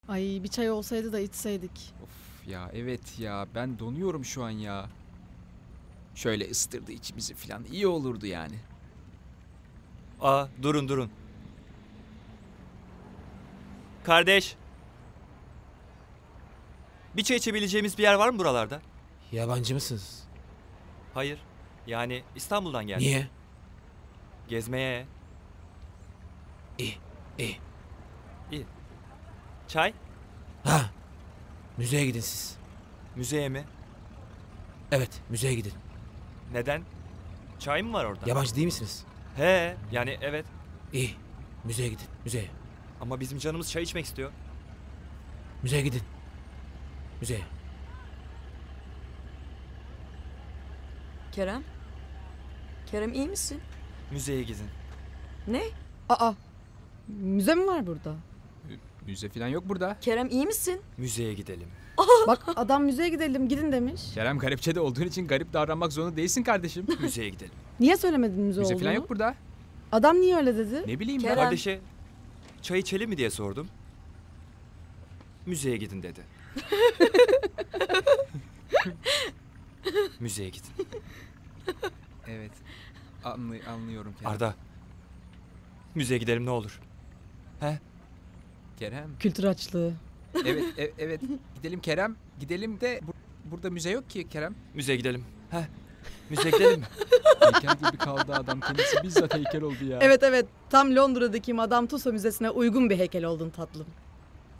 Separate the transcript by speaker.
Speaker 1: Ay bir çay olsaydı da içseydik.
Speaker 2: Of ya, evet ya, ben donuyorum şu an ya. Şöyle ısıtırdı içimizi falan, iyi olurdu yani.
Speaker 3: Aa, durun. Kardeş. Bir çay içebileceğimiz bir yer var mı buralarda?
Speaker 4: Yabancı mısınız?
Speaker 3: Hayır. Yani İstanbul'dan geldim.
Speaker 4: Niye?
Speaker 3: Gezmeye.
Speaker 4: İyi.
Speaker 3: İyi. Çay?
Speaker 4: Ha. Müzeye gidin siz.
Speaker 3: Müzeye mi?
Speaker 4: Evet, müzeye gidin.
Speaker 3: Neden? Çay mı var orada?
Speaker 4: Yabancı değil misiniz?
Speaker 3: He, yani evet.
Speaker 4: İyi. Müzeye gidin, müzeye.
Speaker 3: Ama bizim canımız çay içmek istiyor.
Speaker 4: Müzeye gidin. Müzeye.
Speaker 5: Kerem? Kerem iyi misin?
Speaker 3: Müzeye gidin.
Speaker 5: Ne?
Speaker 1: Aa müze mi var burada?
Speaker 2: Müze falan yok burada.
Speaker 5: Kerem iyi misin?
Speaker 3: Müzeye gidelim.
Speaker 1: Bak adam müzeye gidelim gidin demiş.
Speaker 2: Kerem, garipçede olduğun için garip davranmak zorunda değilsin kardeşim.
Speaker 3: Müzeye gidelim.
Speaker 1: Niye söylemedin müze
Speaker 2: Müze
Speaker 1: olduğunu?
Speaker 2: falan yok burada.
Speaker 1: Adam niye öyle dedi?
Speaker 2: Ne bileyim
Speaker 5: Kerem.
Speaker 2: ben.
Speaker 3: Kardeşe çay içelim mi diye sordum. Müzeye gidin dedi. Müzeye gidin.
Speaker 2: Evet. Anlıyorum Kerem.
Speaker 3: Arda. Müzeye gidelim ne olur. He?
Speaker 2: Kerem.
Speaker 1: Kültür açlığı.
Speaker 2: Evet, evet. Gidelim Kerem. Gidelim de burada müze yok ki Kerem.
Speaker 3: Müzeye gidelim. He? Müzeye gidelim mi?
Speaker 2: Heykel gibi kaldı adam. Kendisi bizzat heykel oldu ya.
Speaker 1: Evet tam Londra'daki Madame Tussauds Müzesi'ne uygun bir heykel oldun tatlım.